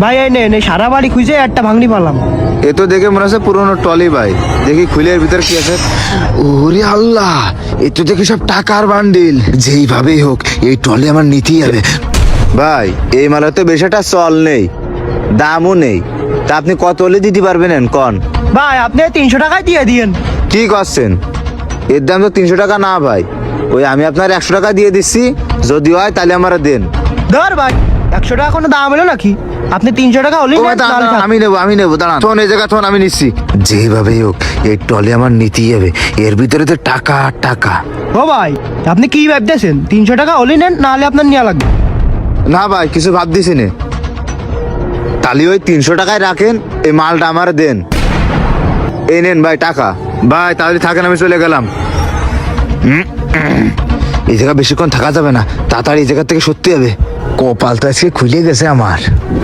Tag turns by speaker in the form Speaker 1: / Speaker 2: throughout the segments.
Speaker 1: ভাই এই নে সারা বাড়ি খুঁজে একটা ভাঙড়ি পালাম।
Speaker 2: এ তো দেখে মনে হচ্ছে পুরোনো টলি ভাই। দেখি খুলে এর ভিতর কি আছে। ওরে আল্লাহ, এ তো দেখি সব টাকার বান্ডিল। যেইভাবেই হোক এই টলি আমার নিতেই হবে। ভাই এই মালে তো বেশ একটা চল নেই, দামও নেই। তা আপনি কত হলে দিতে পারবেন কন?
Speaker 1: ভাই আপনি 300 টাকায় দিয়ে দিয়েন।
Speaker 2: কি করছেন? এর দাম তো 300 টাকা না ভাই। ওই আমি আপনার 100 টাকা দিয়ে দিচ্ছি, যদি হয় তাহলে আমার দেন।
Speaker 1: ধর ভাই 100 টাকা কোনো দাম হলো নাকি? আপনি 300 টাকা হলেই
Speaker 2: ও ভাই, দাঁড়ান, দাঁড়ান, আমি নেবো দাঁড়ান। থন এই জায়গা থন, আমি নিচ্ছি। যেভাবেই হোক এই টলি আমার নিতেই হবে। এর ভিতরে তো টাকা আর টাকা।
Speaker 1: ও ভাই আপনি কি ভাবতেছেন? 300 টাকা হলেই নেন, নাহলে আপনার নেওয়া লাগবে।
Speaker 2: না ভাই কিছু ভাব দিছি নে। তাহলে ওই 300 টাকায় রাখেন, এই মালটা আমার দেন। এই নেন ভাই টাকা। ভাই তাহলে থাকেন, আমি চলে গেলাম। এই জায়গা বেশিক্ষণ থাকা যাবে না, তাড়াতাড়ি এই জায়গা থেকে সত্যি হবে। কপাল তো আজকে খুলে গেছে আমার।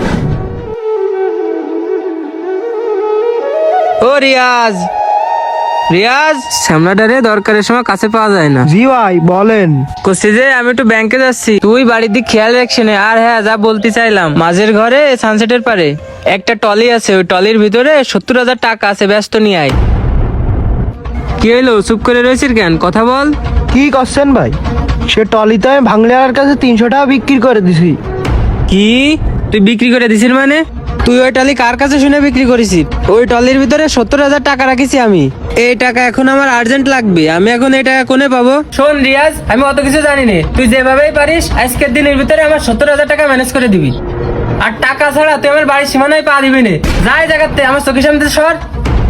Speaker 3: ও রিয়াজ, রিয়াজ শ্যামলাটারে দরকারের সময় কাছে পাওয়া যায় না।
Speaker 1: জি ভাই বলেন।
Speaker 3: করছি যে আমি একটু ব্যাংকে যাচ্ছি, তুই বাড়ির দিক খেয়াল রাখছি না। আর হ্যাঁ, যা বলতে চাইলাম, মাঝের ঘরে সানসেটের পারে একটা টলি আছে, ওই টলির ভিতরে 70,000 টাকা আছে, ব্যস্ত নিয়ে আয়। কি হইলো, চুপ করে রয়েছিস কেন? কথা বল।
Speaker 1: কি করছেন ভাই? সে টলিতে আমি ভাঙলিয়ার কাছে 300 টাকা বিক্রি করে দিছি।
Speaker 3: কি তুই বিক্রি করে দিছিস মানে? তুই ওই টলি কার কাছে শুনে বিক্রি করেছিস? ওই টলির ভিতরে 70,000 টাকা রাখিছি আমি। এই টাকা এখন আমার আর্জেন্ট লাগবে, আমি এখন এই টাকা কোনে পাবো? শোন রিয়াজ, আমি অত কিছু জানি না, তুই যেভাবেই পারিস আজকের দিনের ভিতরে আমার 70,000 টাকা ম্যানেজ করে দিবি। আর টাকা ছাড়া তুই আমার বাড়ির সীমানায় পা দিবি না। যাই জায়গাতে, আমার চোখের সামনে থেকে সর।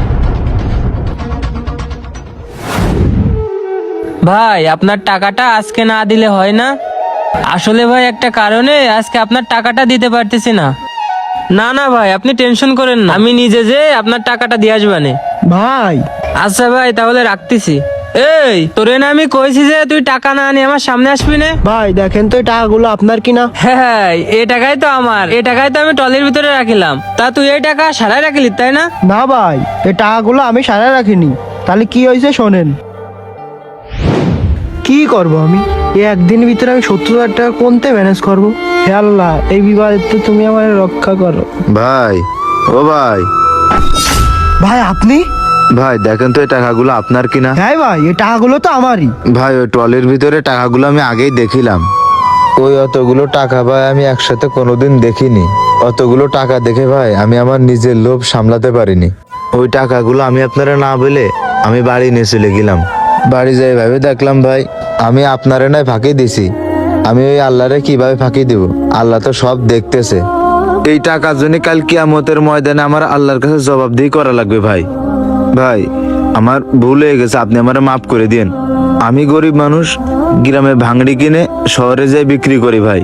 Speaker 3: ভাই আপনার টাকাটা আজকে না দিলে হয় না? আসলে ভাই একটা কারণে আজকে আপনার টাকাটা দিতে পারতেছি না। না না ভাই, আপনি টেনশন করেন না, আমি নিজে যে আপনার টাকাটা দিয়ে আসবানে।
Speaker 1: ভাই
Speaker 3: আচ্ছা ভাই তাহলে রাখতেছি। এই তোরে না আমি কইছি যে তুই টাকা না আনি আমার সামনে আসবি না?
Speaker 1: ভাই দেখেন তো এই টাকাগুলো আপনার কিনা।
Speaker 3: হ্যাঁ, এই টাকাই তো আমার, এই টাকাই তো আমি টলির ভিতরে রাখিলাম। তা তুই এই টাকা সারাই রাখলি তাই না?
Speaker 1: না ভাই এই টাকাগুলো আমি সারা রাখিনি। তাহলে কি হয়েছে শোনেন। কি করব আমি? এই একদিন ভিতরে আমি 70,000 টাকা কোনতে ম্যানেজ করবো? হে আল্লাহ, এই বিবাদে তো তুমি আমার রক্ষা করো।
Speaker 2: ভাই ও ভাই,
Speaker 1: ভাই আপনি?
Speaker 2: ভাই দেখেন তো এই টাকাগুলো আপনার কিনা।
Speaker 1: হ্যাঁ ভাই এই টাকাগুলো তো আমারই।
Speaker 2: ভাই ওই ট্রলির ভিতরে টাকাগুলো আমি আগেই দেখিলাম। ওই অতগুলো টাকা ভাই আমি একসাথে কোনোদিন দেখিনি। অতগুলো টাকা দেখে ভাই আমি আমার নিজের লোভ সামলাতে পারিনি। ওই টাকাগুলো আমি আপনারা না বলে আমি বাড়ি নিয়ে চলে গেলাম। বাড়ি যাই ভাবে দেখলাম ভাই আমি আপনারে নয় ফাঁকি দিছি। আমি ওই আল্লাহরে কিভাবে ফাঁকি দিব? আল্লাহ তো সব দেখতেছে। এই টাকার জন্য কাল কিয়ামতের ময়দানে আমার আল্লাহর কাছে জবাবদিহি করা লাগবে। ভাই ভাই আমার ভুল হয়ে গেছে, আপনি আমারে মাফ করে দিন। আমি গরিব মানুষ, গ্রামে ভাঙড়ি কিনে শহরে যাই বিক্রি করি ভাই।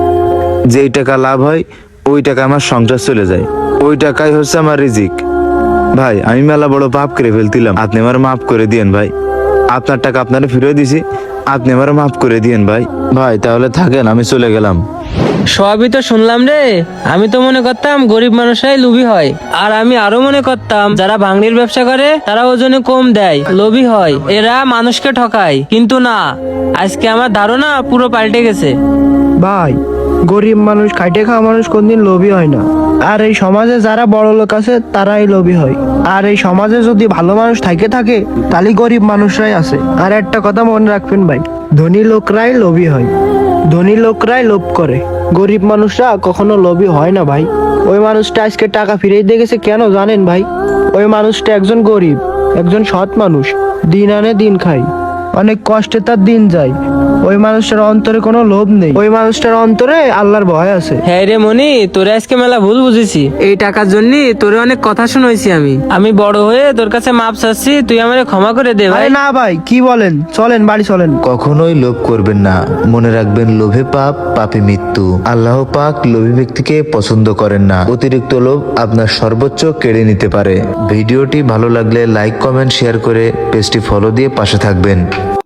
Speaker 2: যেই টাকা লাভ হয় ওই টাকা আমার সংসার চলে যায়, ওই টাকাই হচ্ছে আমার রিজিক। ভাই আমি মেলা বড় পাপ করে ফেলতিলাম, আপনি আমার মাফ করে দিয়েন ভাই। আপনার টাকা আপনারে ফিরে দিছি, আপনি আমার মাফ করে দিয়েন ভাই। ভাই তাহলে থাকেন, আমি চলে গেলাম।
Speaker 3: সবই তো শুনলাম রে। আমি তো মনে করতাম গরিব মানুষরাই লোভী হয়, আর আমি আরো মনে করতাম যারা ভাঙড়ির ব্যবসা করে তারা ওজনে কম দেয়, লোভী হয়, এরা মানুষকে ঠকায়। কিন্তু না, আজকে আমার ধারণা পুরো পাল্টে গেছে।
Speaker 1: ভাই গরিব মানুষ, খাইটে খাওয়া মানুষ কোনদিন লোভী হয় না। আর এই সমাজে যারা বড় লোক আছে তারাই লোভী হয়। আর এই সমাজে যদি ভালো মানুষ থাকে তাহলে গরিব মানুষরাই আছে। আর একটা কথা মনে রাখবেন ভাই, ধনী লোকরাই লোভী হয়, ধনী লোকরাই লোভ করে, গরিব মানুষরা কখনো লোভী হয় না ভাই। ওই মানুষটা আজকে টাকা ফিরিয়ে দিয়ে গেছে কেন জানেন ভাই? ওই মানুষটা একজন গরিব, একজন সৎ মানুষ, দিন আনে দিন খায়, অনেক কষ্টে তার দিন যায়। ওই মানুষটার অন্তরে কোনো লোভ নেই, ওই মানুষটার অন্তরে আল্লাহর ভয় আছে।
Speaker 3: হ্যাঁ রে মনি, তোরে আজকে মেলা ভুল বুঝেছি। এই টাকার জন্য তোরে অনেক কথা শুনেছি আমি বড় হয়ে তোর কাছে মাপ চাচ্ছি, তুই আমারে ক্ষমা করে দে ভাই।
Speaker 1: আরে না ভাই, কি বলেন? চলেন বাড়ি চলেন।
Speaker 2: কখনোই লোভ করবেন না, মনে রাখবেন লোভে পাপ, পাপে মৃত্যু। আল্লাহ পাক লোভী ব্যক্তিকে পছন্দ করেন না। অতিরিক্ত লোভ আপনার সর্বোচ্চ কেড়ে নিতে পারে। ভিডিওটি ভালো লাগলে লাইক, কমেন্ট, শেয়ার করে পেজটি ফলো দিয়ে পাশে থাকবেন।